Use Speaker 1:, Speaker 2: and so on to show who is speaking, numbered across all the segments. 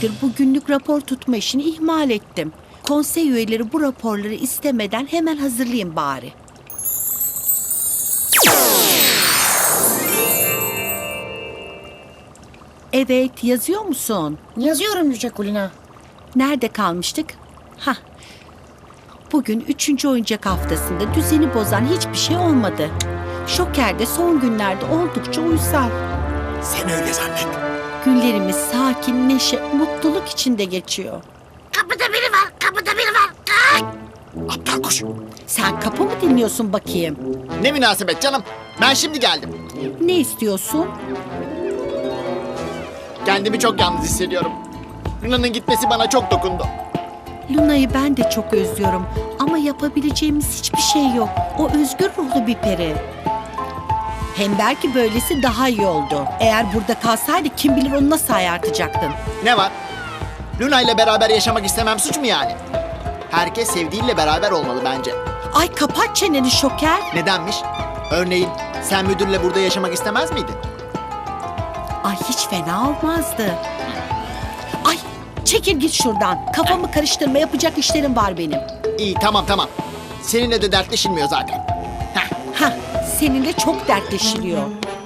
Speaker 1: süredir bu günlük rapor tutma işini ihmal ettim. Konsey üyeleri bu raporları istemeden hemen hazırlayayım bari. Evet, yazıyor musun?
Speaker 2: Yazıyorum Yüce Kulina.
Speaker 1: Nerede kalmıştık? Hah. Bugün 3. oyuncak haftasında düzeni bozan hiçbir şey olmadı. Şoker de son günlerde oldukça uysal.
Speaker 3: Sen öyle zannet.
Speaker 1: Günlerimiz sakin, neşe, mutluluk içinde geçiyor.
Speaker 4: Kapıda biri var, kapıda biri var. Kaç!
Speaker 3: Aptal kuş.
Speaker 1: Sen kapı mı dinliyorsun bakayım?
Speaker 3: Ne münasebet canım. Ben şimdi geldim.
Speaker 1: Ne istiyorsun?
Speaker 3: Kendimi çok yalnız hissediyorum. Luna'nın gitmesi bana çok dokundu.
Speaker 1: Luna'yı ben de çok özlüyorum ama yapabileceğimiz hiçbir şey yok. O özgür ruhlu bir peri. Hem belki böylesi daha iyi oldu. Eğer burada kalsaydı kim bilir onu nasıl ayartacaktın.
Speaker 3: Ne var? Luna ile beraber yaşamak istemem suç mu yani? Herkes sevdiğiyle beraber olmalı bence.
Speaker 1: Ay kapat çeneni Şoker.
Speaker 3: Nedenmiş? Örneğin sen müdürle burada yaşamak istemez miydin?
Speaker 1: Ay hiç fena olmazdı. Ay çekil git şuradan. Kafamı karıştırma, yapacak işlerim var benim.
Speaker 3: İyi tamam. Seninle de dertleşilmiyor zaten.
Speaker 1: Hah, seninle çok dertleşiliyor.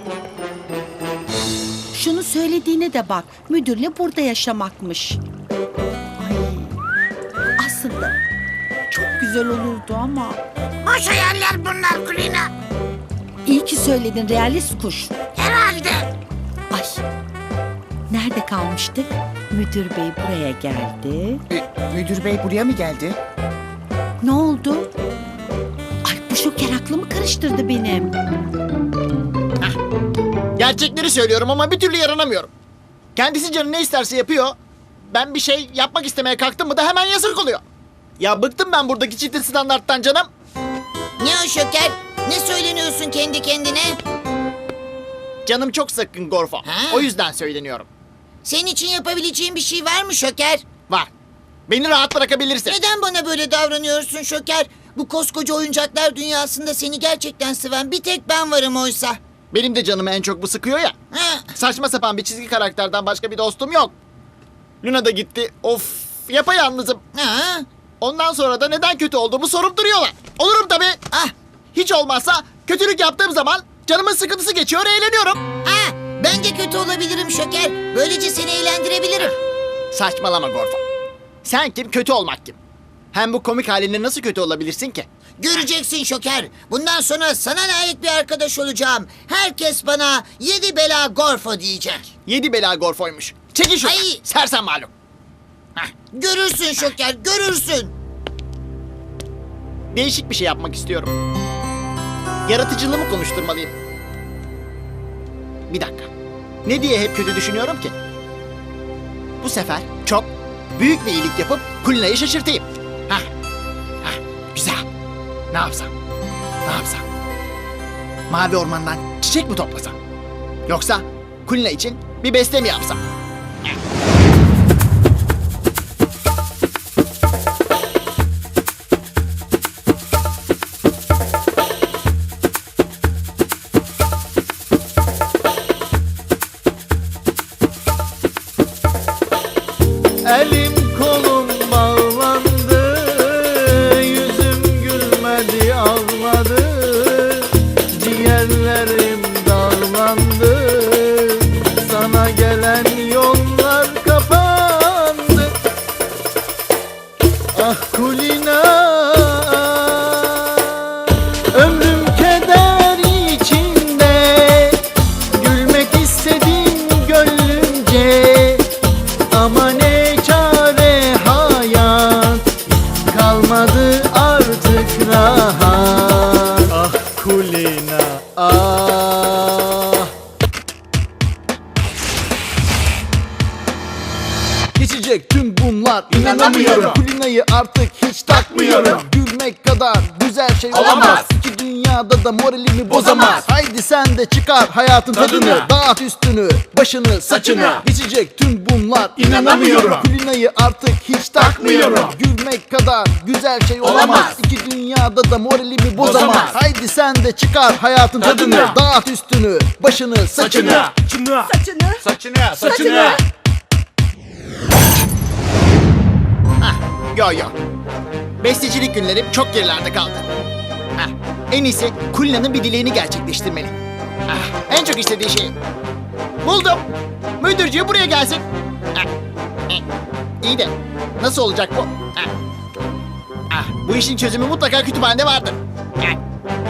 Speaker 1: Şunu söylediğine de bak. Müdürle burada yaşamakmış. Ay, aslında çok güzel olurdu ama.
Speaker 4: Boş hayaller bunlar Kulina.
Speaker 1: İyi ki söyledin realist kuş.
Speaker 4: Herhalde.
Speaker 1: Ay, nerede kalmıştık? Müdür bey buraya geldi.
Speaker 2: Müdür bey buraya mı geldi?
Speaker 1: Ne oldu? Ay bu Şoker aklımı karıştırdı benim.
Speaker 3: Gerçekleri söylüyorum ama bir türlü yaranamıyorum. Kendisi canı ne isterse yapıyor. Ben bir şey yapmak istemeye kalktım mı da hemen yasak oluyor. Ya bıktım ben buradaki çifte standarttan canım.
Speaker 4: Ne o Şoker? Ne söyleniyorsun kendi kendine?
Speaker 3: Canım çok sıkkın Gorfo.
Speaker 4: Ha?
Speaker 3: O yüzden söyleniyorum.
Speaker 4: Senin için yapabileceğin bir şey var mı Şoker?
Speaker 3: Var. Beni rahat bırakabilirsin.
Speaker 4: Neden bana böyle davranıyorsun Şoker? Bu koskoca oyuncaklar dünyasında seni gerçekten seven bir tek ben varım oysa.
Speaker 3: Benim de canımı en çok bu sıkıyor ya.
Speaker 4: Ha?
Speaker 3: Saçma sapan bir çizgi karakterden başka bir dostum yok. Luna da gitti. Of, yapayalnızım.
Speaker 4: Ha?
Speaker 3: Ondan sonra da neden kötü olduğumu sorup duruyorlar. Olurum tabii.
Speaker 4: Ah,
Speaker 3: Hiç olmazsa kötülük yaptığım zaman canımın sıkıntısı geçiyor, eğleniyorum.
Speaker 4: ha, ben de kötü olabilirim Şoker. Böylece seni eğlendirebilirim.
Speaker 3: Saçmalama Gorfo. Sen kim, kötü olmak kim? Hem bu komik halinle nasıl kötü olabilirsin ki?
Speaker 4: Göreceksin Şoker. Bundan sonra sana layık bir arkadaş olacağım. Herkes bana 7 bela Gorfo diyecek.
Speaker 3: 7 bela Gorfo'ymuş. Çekil şuradan.
Speaker 4: Ay!
Speaker 3: Sersem malum.
Speaker 4: Görürsün Şoker, görürsün.
Speaker 3: Değişik bir şey yapmak istiyorum. Yaratıcılığımı konuşturmalıyım. Bir dakika. Ne diye hep kötü düşünüyorum ki? Bu sefer çok büyük bir iyilik yapıp Kulina'yı şaşırtayım. Hah. Güzel. Ne yapsam? Mavi ormandan çiçek mi toplasam? Yoksa Kulina için bir beste mi yapsam?
Speaker 5: Elim kolum bağlandı, yüzüm gülmedi ağladı, ciğerlerim dağlandı, sana gelen yollar kapandı. Ah Kulina, ömrüm keder içinde, gülmek istedim gönlümce, ama ne çare hayat, kalmadı artık rahat. Ah Kulina, ah. Geçecek tüm bunlar, inanamıyorum. Kulina'yı artık hiç takmıyorum. Gülmek kadar güzel şey olamaz. İki dünyada da moralimi bozamaz. Haydi sen de çıkar hayatın tadını. Dağıt üstünü, başını, saçını. Geçecek tüm bunlar, inanamıyorum. Kulina'yı artık hiç takmıyorum. Gülmek kadar güzel şey olamaz. İki dünyada da moralimi bozamaz. Haydi sen de çıkar hayatın tadını. Dağıt üstünü, başını, saçını.
Speaker 1: Saçını.
Speaker 5: Saçını.
Speaker 3: Yo yo. Bestecilik günlerim çok gerilerde kaldı. Hah, en iyisi Kulina'nın bir dileğini gerçekleştirmeli. En çok istediği şey. Buldum. Müdürcüğü buraya gelsin. İyi de nasıl olacak bu? Bu işin çözümü mutlaka kütüphanede vardır.